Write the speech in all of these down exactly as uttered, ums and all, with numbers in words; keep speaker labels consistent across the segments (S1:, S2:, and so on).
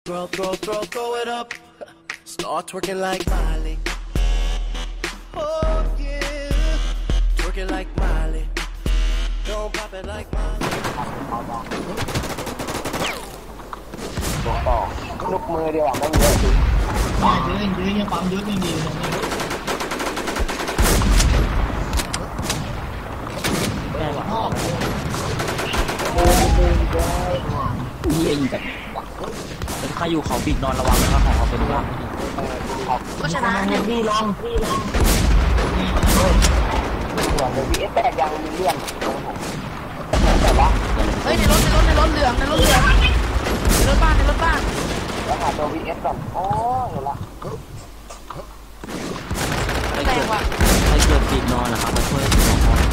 S1: Throw, throw, throw, throw it up. Start twerking like Miley. Oh yeah, twerking like Miley. Don't pop it like Miley.
S2: บอกต่อลูกมือเดียวอ่ะไม่เยอะจริง
S3: ได้ยืนยืนยังความยืนยังดีตรงนี้แต่ว่าพ่อเยี่ยยิงกันเป็นข้าอยู่เขาปิดนอนระวังนะครับของเขาเป็นว่าก็ชนะเนี่ยพี่ลองพี่ลอง
S2: ส่วนในวีเอสแปดยังมีเลี่ยนแต่ว่า
S4: เฮ้ยในรถในรถในรถเหลืองในรถเหลืองในรถบ้านในรถบ้าน
S2: แล้วหาตัววีเอสก่อนอ๋อเห็นละ
S4: แรงว่ะ
S3: ใครเกิดปิดนอนนะครับมาช่วยสองคน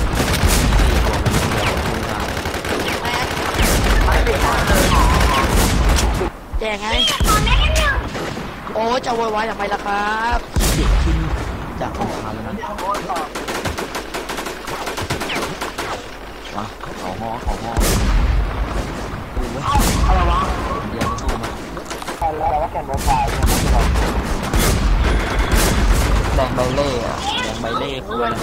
S4: ไม่ปิดนอนเลยแจกไงโอ้จะโวยวายทำไมล่ะครับ
S3: เด็กขึ้นจากของเขาแล้วนะมาเขาหอเขาหออะไรวะเดี๋ยวเข้ามา
S2: แล้วว่าแกนโมบาย
S3: แดงใบเล่อะแดงใบเล่คืออะไร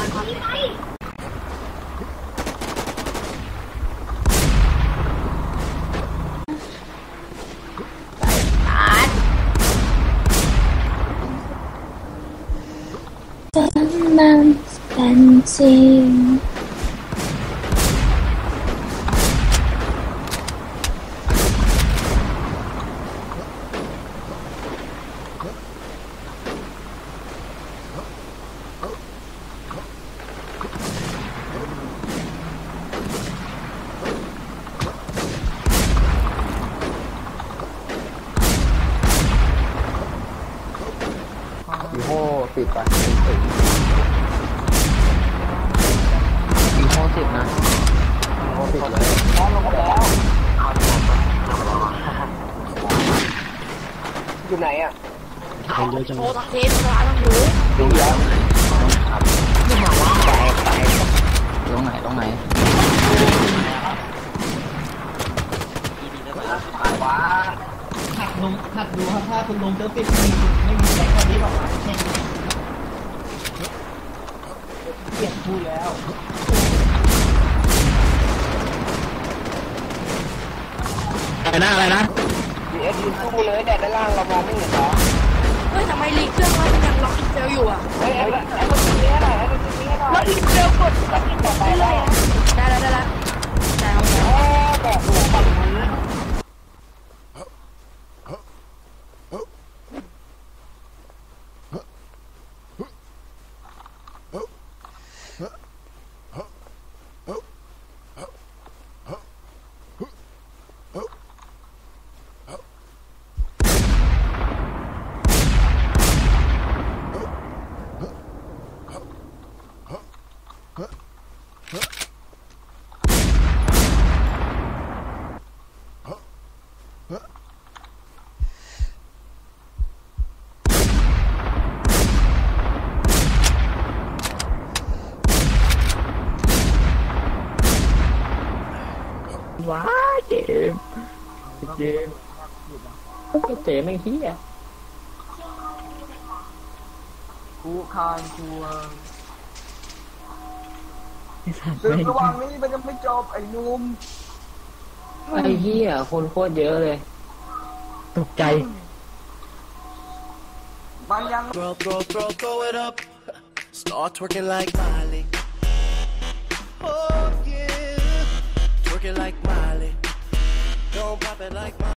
S5: ฉันนั้นเป็นจริง
S2: อีโม่ติดไป
S3: อีโม่ติดนะ
S2: อีโม่ติดเลยน้องลงมาแล้วอยู่ไหนอ่ะ
S4: โชว์ทั้งเทปทั้งร้านทั้งหู
S2: ดูแล้ว
S3: ไม่มาว่าไปไปตรงไหนตรงไหน
S2: ว้า
S3: หักลงหักดูครับถ้าคุณลงเจอปิดไม่มีไม่มีแรงคนนี้หรอกแค่เปลี่ยนพูดแล้วอะไรนะอะไรนะ
S2: ดีเอสยืนสู้เลยแต่ด้านล่างเรามองไม่เห็นหรอ
S4: เฮ้ยทำไมลีเครื่องมันยังล็อกอินเซลอยู่อ่ะ
S2: เฮ้ยไอ้ไอ้คนนี้ให้หน่อยไอ้คนนี้ให้หน่อย
S4: ล็อกอินเซลกดล็อกอินต่อไปเลยได้แล้วได้แล้วได้แล้ว
S2: โอ้แบบหัวปั่นมือ
S3: ว้าเจมเจมก็เจมไม่เฮียกูคานชัวตึกระหว่างนี้มันจะไม่จบไอ้นุ่มไอ้เฮียคนโคตรเยอะเลยตกใจ
S1: มันยัง Throw, throw, throw, throw it up. Start twerking like Miley. Oh yeah, twerking like Miley. Don't pop it like Miley.